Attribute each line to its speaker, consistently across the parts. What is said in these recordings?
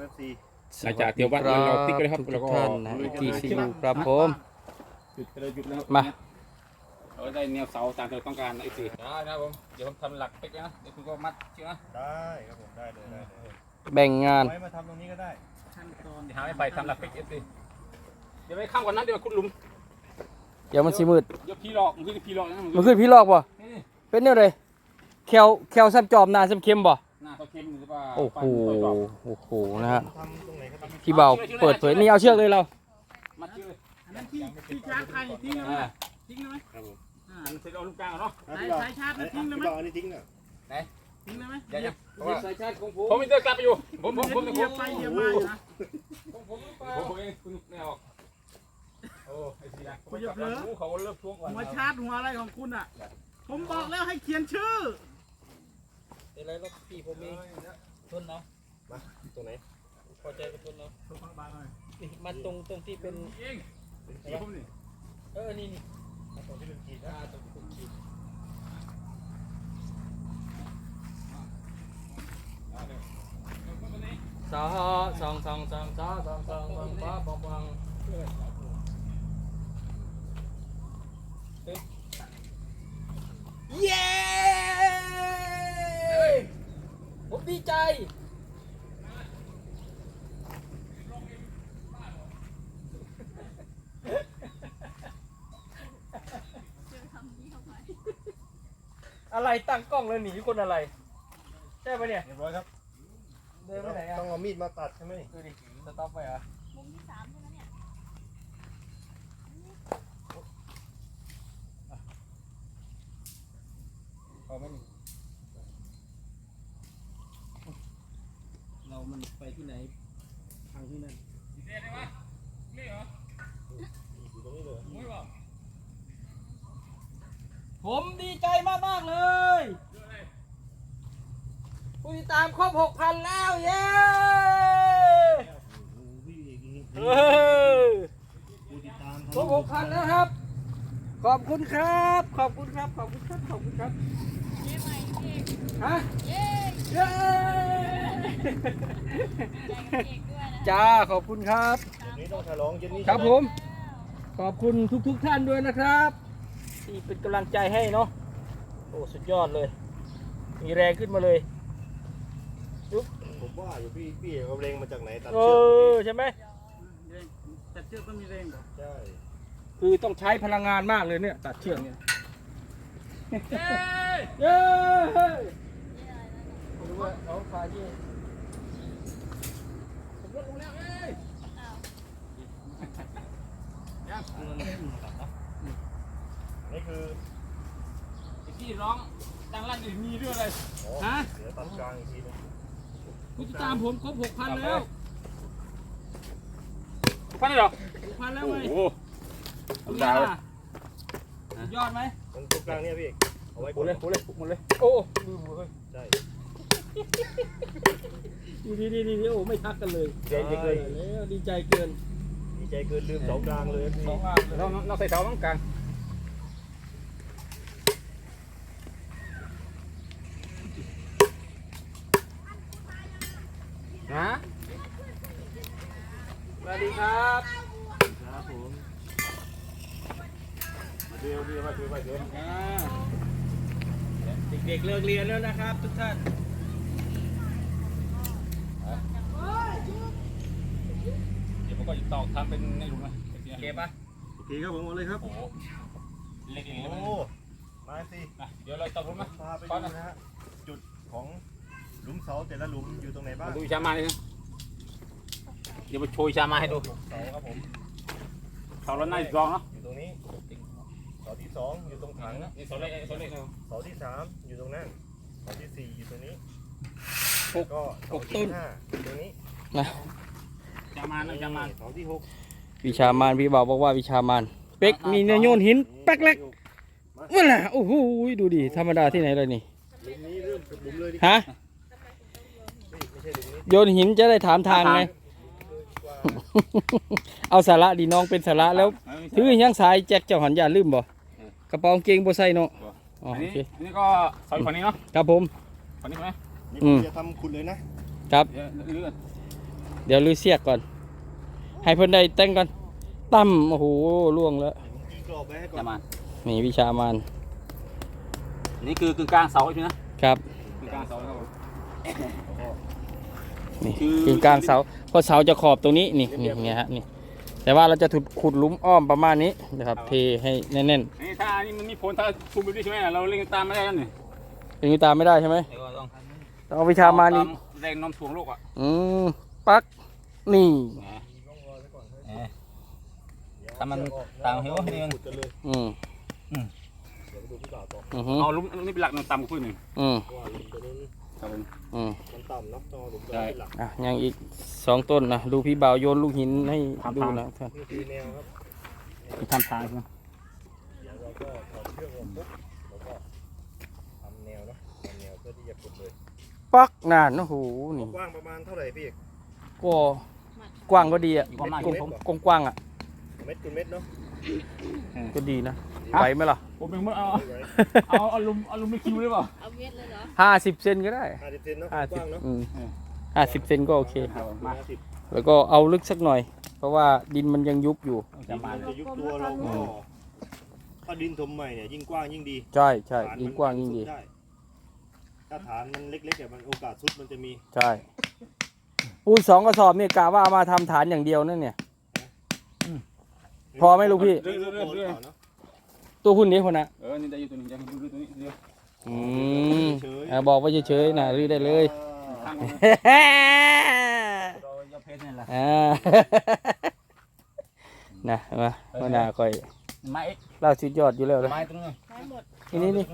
Speaker 1: FC
Speaker 2: หลังจากเที่ยววัดเราติ๊กเลยครับแล้วก็
Speaker 3: ท่านนะที่ซีอูครับผม
Speaker 2: หยุดไปเลยหยุดแล้ว
Speaker 3: มา
Speaker 2: เราได้แนวเสาตามที่เราต้องการไอ้สิได้นะครับผมเดี๋ยวผมทำหลักติ๊กนะเดี๋ยวคุณก็มัดเชือกนะ
Speaker 1: ได้ครับผมได้เลยได้เลย
Speaker 3: แบ่งงาน
Speaker 1: ไว้มาทำตรงนี้ก็ได้
Speaker 2: ขั้นตอนเดี๋ยวหาไม่ไปทำหลักติ๊กเอฟซีเดี๋ยวไปข้ามก่อนนะเดี๋ยวขุดหลุม
Speaker 3: เดี๋ยวมันสิมืด
Speaker 2: เดี๋ยวพี่หลอกมันคือพี่หลอกนะ
Speaker 3: มันขึ้นพี่ลอกบ่
Speaker 2: นี่
Speaker 3: เป็นเนี่ยเลยแควซับจอมนาซับเค็มบ่
Speaker 2: หน้าเขาเค็มหรือเปล่า
Speaker 3: โอ้โหโอ้โหนะฮะ
Speaker 1: ทำตรงไหนก็ทำ
Speaker 3: พี่เบาเปิดเผยนี่เอาเชือกเลยเรา
Speaker 2: มัดเชือกเลย
Speaker 4: อันนั้นที่ชาร์จใครทิ้งเลยไหมทิ้งเลยไหม
Speaker 1: ครับผม
Speaker 2: มันเสร็จเอาลูกกลางเนาะ
Speaker 4: สายชาร์จทิ้งเลยไหม
Speaker 1: พี่บอกอันนี้ทิ้งอ่ะ
Speaker 4: ทิ้งเลยไหม
Speaker 2: อย่าอย่า
Speaker 3: สายชาร์จของผม
Speaker 2: ผมมีเดินกลับไปอยู่ผม
Speaker 4: เหยียบไปเหยียบมาอยู่นะ
Speaker 2: ผมเองคุณไม่ออกโอ้ไอ้สินะเขาเลิกทวงก่อน
Speaker 4: หัวชาร์จหัวอะไรของคุณอ่ะ ผมบอกแล้วให้เขียนชื่อ
Speaker 3: อะไรรถพี่ผมเองทนเนาะ
Speaker 1: มาตรงไหน
Speaker 3: พอใจกับทนเนาะ
Speaker 4: ตัวบางๆหน่อย
Speaker 3: มาตรงที่เป็น
Speaker 2: เองผมนี่
Speaker 3: นี่
Speaker 1: มาตรงที่เป็นขีดนะ
Speaker 3: ตรงที่เป็นขีดสองปังเย้ผมดีใจอะไรตั้งกล้องแล้วหนีคนอะไรใช่ปะเนี่ย
Speaker 1: เรียบร้อยครับ
Speaker 3: เดินไปไหนอ่ะ
Speaker 1: ต้องเอามีดมาตัดใช่ไหม
Speaker 3: ดูดิสต็อปไปเหรอ
Speaker 5: มุมที่สามใช่ไหมเนี่ย
Speaker 3: เอาไม่เรามันไปที่ไหนทางที่นั่น
Speaker 2: นี่ได้ไหมนี่เหรอ
Speaker 1: อยู่ตรงนี้เลย
Speaker 2: ไม่บอก
Speaker 3: ผมดีใจมากๆเลยผู้ติดตามครบ 6,000 แล้วเย้
Speaker 1: โอ้โหพี่เอกนี่
Speaker 3: เออ
Speaker 1: ผู้ติดตาม
Speaker 3: ครบ 6,000 แล้วครับ ขอบคุณครับ ขอบคุณครับ ขอบคุณครับ ขอบคุณครับ
Speaker 5: เย้ใหม่พี่เอก
Speaker 3: ฮะ
Speaker 5: เย้
Speaker 3: เย้
Speaker 5: ใจกับพี่เอกด้วยนะ
Speaker 3: จ้า ขอบคุณครับ
Speaker 1: เดี๋ยวนี้ต้องฉลองเย็นนี้
Speaker 3: ครับผม ขอบคุณทุกท่านด้วยนะครับ ที่เป็นกำลังใจให้เนาะ โอ้ สุดยอดเลย มีแรงขึ้นมาเลย
Speaker 1: ผมว่าอยู่พี่เอกเอาแรงมาจากไหนตัด
Speaker 3: เอ
Speaker 1: เชือก
Speaker 3: อ ใช่ไหม
Speaker 4: แต่เชือกก็มีแรงเหรอ
Speaker 1: ใช่
Speaker 3: คือต้องใช้พลังงานมากเลยเนี่ย ตัดเชือกเนี่ย
Speaker 2: เฮ้ย
Speaker 3: เย้
Speaker 5: เย้อะไรนะ
Speaker 3: ดูว่าเอาขาที่
Speaker 2: ผมลดลงแล้วเอ้ย
Speaker 5: อ้าว
Speaker 1: นี่คือ
Speaker 2: ไอ้ที่ร้องดังลั่นอยู่มีเรื่องอะไร
Speaker 1: อ๋อ
Speaker 3: ฮะ
Speaker 1: เดี๋ยวตัดกลางอีกทีนึง
Speaker 3: ผู้ติดตามผมครบ 6,000 แล้ว
Speaker 2: ฟันได้หรอ
Speaker 3: 6,000 แล้ว
Speaker 2: โอ้
Speaker 3: ไหม
Speaker 2: โห
Speaker 3: คุณ
Speaker 2: ดาว
Speaker 3: สุดยอดไหม
Speaker 1: ตรงกลางเนี่ยพี่เอกเอาไว้
Speaker 2: หมดเลยหมดเลย
Speaker 3: โอ้ลืมเลย
Speaker 1: ใช่
Speaker 3: ดีโอ้ไม่ทักกันเลย
Speaker 1: เจ๋งเลย
Speaker 3: แล้วดีใจเกิน
Speaker 1: ดีใจเกินลืมเสากลางเลยพี่
Speaker 3: สองอันเลย
Speaker 2: เราใส่เสาตรงกลางฮะ
Speaker 3: สวัสดีครับ
Speaker 1: ครับผมมาดูมาดูมาดู
Speaker 3: เด็กๆเลิกเรียนแล้วนะครับ ทุกท่าน
Speaker 2: เดี๋ยวผมก็จะตอกทำเป็นในหลุมนะ
Speaker 3: โอเคปะ
Speaker 1: โอเคครับผมเอาเลยครับ
Speaker 2: โอ้โหเล็กๆเลย
Speaker 1: โอ้มาสิ
Speaker 2: นะเดี๋ยวเราตอกหลุมนะ
Speaker 1: พาไปดูนะฮะจุดของหลุมเสาแต่ละหลุมอยู่ตรงไหนบ้าง
Speaker 2: มาดูชามาเลยนะเดี๋ยวไปโชยชามาให้ดู
Speaker 1: เสาครับผม
Speaker 2: เขาแล้วหน้าอีกรองเนาะ
Speaker 1: อยู่ตรงนี้เสาที่สองอยู่ตรงถัง
Speaker 2: นี่โซเล่โซเล่เขา
Speaker 1: เสาที่สามอยู่ตรงนั้นเสาที่สี่อยู่ตรงนี้
Speaker 3: หก
Speaker 1: ก็เสาที่ห้าอยู่ตรงนี้
Speaker 2: ชามานะชามา
Speaker 1: เสาที่หก
Speaker 3: วิชามานพี่บ่าวบอกว่าวิชามานเป็กมีเนื้อโยนหินแป๊กเล็กนั่นแหละโอ้โหดูดิธรรมดาที่ไหนเลยนี่
Speaker 1: หลุมนี้เริ่มจากหลุมเลยดิ
Speaker 3: ฮะ
Speaker 1: ไม่ใช่หลุมนี้
Speaker 3: โยนหินจะได้ถามทางไง เอาสาระดีน้องเป็นสาระแล้วถือยังสายแจ็คเจ้าหันยาลืมบ่กระเป๋ากางเกงบ่ใส่เนาะอ๋อ
Speaker 2: อัน
Speaker 3: โอ
Speaker 2: นี้
Speaker 3: เค
Speaker 2: นี่ก็เสาอยู่ฝั่งนี้เนาะ
Speaker 3: ครับผม
Speaker 2: ฝั่งนี้ใช่ไหม
Speaker 1: นี่ผมจะทำคุณเลยนะครับ
Speaker 2: เดี๋ยวเลื่อน
Speaker 3: เดี๋ยวลือเสียกก่อน ให้เพิ่นได้แต่งก่อนตั้มโอ้โหล่วงแล้ว
Speaker 1: ยิงกรอบไว้ให้ก่อ
Speaker 2: จะ
Speaker 1: น
Speaker 2: มา
Speaker 3: นี่วิชามาน
Speaker 2: นี่คือกึ่งกลางเสาใช่ไหมนะครับ กึ่งกลางเสานะครับผม
Speaker 3: นี่
Speaker 2: คือ
Speaker 3: กึ่งกลางเสาเพราะเสาจะขอบตรงนี้นี่ฮะนี่แต่ว่าเราจะขุดหลุมอ้อมประมาณนี้นะครับเทให้แน่น
Speaker 2: นี่ถ้าอันนี้มันมีผลถ้าคุมไปด้วยใช่ไหมเราเล่นตามไม่ได้แล้วนี่
Speaker 3: ๆอย่างนี้ตามไม่ได้ใช่ไหม
Speaker 2: เดี๋ยวก็ต้อง
Speaker 3: ต้องเอาวิชามานนี่
Speaker 2: แรงโน้มถ่วงโลกอ่ะ
Speaker 3: ปักนี่
Speaker 2: ถ้ามันต่างเหวนี่มัน
Speaker 1: ขุดกันเลย
Speaker 3: อืม
Speaker 1: เดี๋ยวไปดูพี่บ่าวต่อ
Speaker 3: อือฮึ
Speaker 2: เอาลุมนี่เป็นหลักมันต่ำกว่าพื้นหนึ่ง
Speaker 3: อืม
Speaker 1: เพราะว่าหลุมตัวนี้
Speaker 2: ครับผม
Speaker 3: อืม
Speaker 1: มันต่ำเนาะต้องเอาหลุมตัวนี้เป็นหลัก
Speaker 3: อ่ะยังอีก2 ต้นนะดูพี่บ่าวโยนลูกหินให้ดูนะท่าน
Speaker 1: นี่คือแนวครับ
Speaker 2: ทำทางใช่ไหม
Speaker 1: เดี๋ยวเราก็ถอดเครื่องออกปุ๊บแล้วก็ทำแนวเนาะทำแนวเพื่อที่จะขุดเลย
Speaker 3: ปักนานโอ้โหนี่
Speaker 1: กว้างประมาณเท่าไหร่พี่เอก
Speaker 3: ก็กว้างก็ดีอ่ะ
Speaker 2: ความมาก
Speaker 3: กว้างๆอ่ะ
Speaker 1: เม็ดคูณเม็ดเนาะ
Speaker 3: ก็ดีนะไปไหมล่ะ
Speaker 2: ผมเป็นเอา
Speaker 1: ไว้
Speaker 2: เอาลุมไม่คิวหรือเปล่า
Speaker 5: เอาเม็ดเลยเหรอ
Speaker 3: 50 เซนก็ได้
Speaker 1: 50 เซนเนาะกว้างเนาะ
Speaker 3: 50 เซนก็โอเค
Speaker 2: ครับมา
Speaker 1: 50
Speaker 3: แล้วก็เอาลึกสักหน่อย เพราะว่าดินมันยังยุบอยู่
Speaker 2: จะมา
Speaker 1: จะยุบตัวเราก็ถ้าดินถมใหม่เนี่ยยิ่งกว้างยิ่งดี
Speaker 3: ใช่ใช่
Speaker 1: ฐน
Speaker 3: ยิ่งกว้างยิ่งดี
Speaker 1: สุไถ้าฐานมันเล็กๆเนี่ยมันโอกาสซุดมันจะมี
Speaker 3: ใช่ปูน2 กระสอบเนี่ยกะว่าเอามาทำฐานอย่างเดียวนั่นเนี่ย พอไหมลูกพี่
Speaker 2: เรื่อย
Speaker 1: เนาะ
Speaker 3: ตัวหุ่นนี้คนนะ
Speaker 2: นี่ได้อยู่ตัวนี้จะดูตัวนี้เดียว
Speaker 3: อืมบอกว่าเฉยๆนะรื้อได้เลย
Speaker 2: ข้างเราจะเพชรนี่แหละ
Speaker 3: นะมาหัวหน้าคอย
Speaker 2: ไม้
Speaker 3: เล่าสุดยอดอยู่แล้วเลย
Speaker 2: ไม้ตรงนี้
Speaker 5: ได้หมด
Speaker 3: นี่
Speaker 1: นี่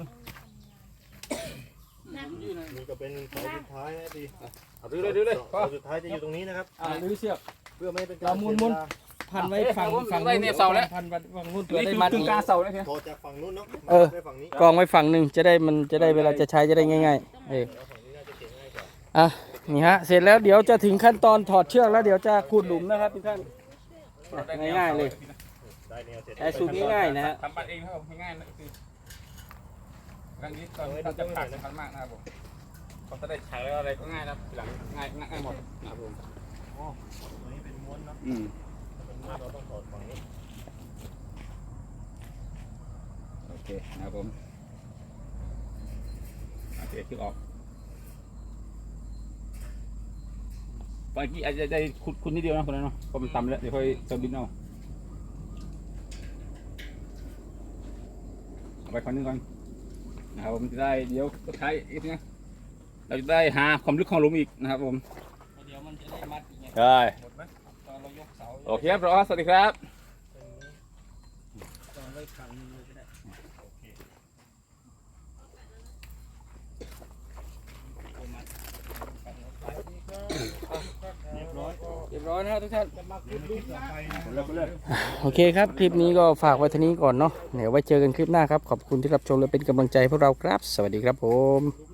Speaker 1: ก็เป็นเสาสุดท้ายนะพี่
Speaker 2: เอาดูเลย
Speaker 1: เสาสุดท้ายจะอยู่ตรงนี้นะครับ
Speaker 3: รื้อเชือก
Speaker 1: เพื่อไม่ให้เป็นกา
Speaker 3: เรา
Speaker 1: ร
Speaker 3: มุน
Speaker 1: เสียเวลา
Speaker 3: พันไว้ฝั่ง
Speaker 2: ได้เนี่ยเสาแล้ว
Speaker 3: พันฝั่งนู้นเผื่อ
Speaker 2: นี่
Speaker 3: ได้
Speaker 2: คือ
Speaker 3: มัด
Speaker 2: กึ่งกลางเสาเนี่ยเพียง
Speaker 1: พอจากฝั่งนู้นเนาะ
Speaker 3: เออ
Speaker 1: ไปฝั่งนี้
Speaker 3: กองไว้ฝั่งหนึ่งจะได้เวลาจะใช้จะได้ง่ายๆ
Speaker 1: แล้วฝั่งนี้น่าจะเก่งง่ายกว่า
Speaker 3: อ่ะนี่ฮะเสร็จแล้วเดี๋ยวจะถึงขั้นตอนถอดเชือกแล้วเดี๋ยวจะขุดหลุมนะครับทุกท่านง่ายๆเลย
Speaker 1: ได้แนวเสร็จ
Speaker 3: ใช้สูตรง่ายๆนะฮะ
Speaker 2: ทำบัตรเองครับง่ายๆนะคือครั้งนี้ตอนเราจะผ่านสำคัญมากนะครับผมพอจะได้ใช้แล้วอะไรก็ง่ายนะหลังง่ายหมดนะครับผม
Speaker 1: ตัวนี้เป็นม้วนเนาะ
Speaker 2: อืม
Speaker 1: ถ้าเป็นม้วนเราต้องถอดฝั่งนี้
Speaker 2: โอเคนะครับผมโอเคคือออกเมื่อกี้อาจจะได้ขุดนิดเดียวนะคนนั้นเนาะเพราะมันต่ำแล้วเดี๋ยวค่อยเติมดินเอาเอาไปคนนึงก่อนนะครับผมจะได้เดี๋ยวก็ใช้อีกนะเราจะได้หาความลึกของหลุมอีกนะครับผม
Speaker 3: เดี๋ยวมันจะได้มัดอีกไง
Speaker 2: ใช่
Speaker 1: หมดไหม
Speaker 3: ตอนเรายกเสา
Speaker 2: โอเคครับรอสวัสดีครับ
Speaker 3: ตอนไว้ฝั่งนึงเลยก็ได้
Speaker 1: โอเคเรียบร้อย
Speaker 3: เรียบร้อยนะครับทุกท่าน
Speaker 1: ต่อไปนะ
Speaker 3: โอเคครับ คลิปนี้ก็ฝากไว้เท่านี้ก่อนเนาะเดี๋ยวไว้เจอกันคลิปหน้าครับ ขอบคุณที่รับชมและเป็นกำลังใจให้พวกเราครับ สวัสดีครับผม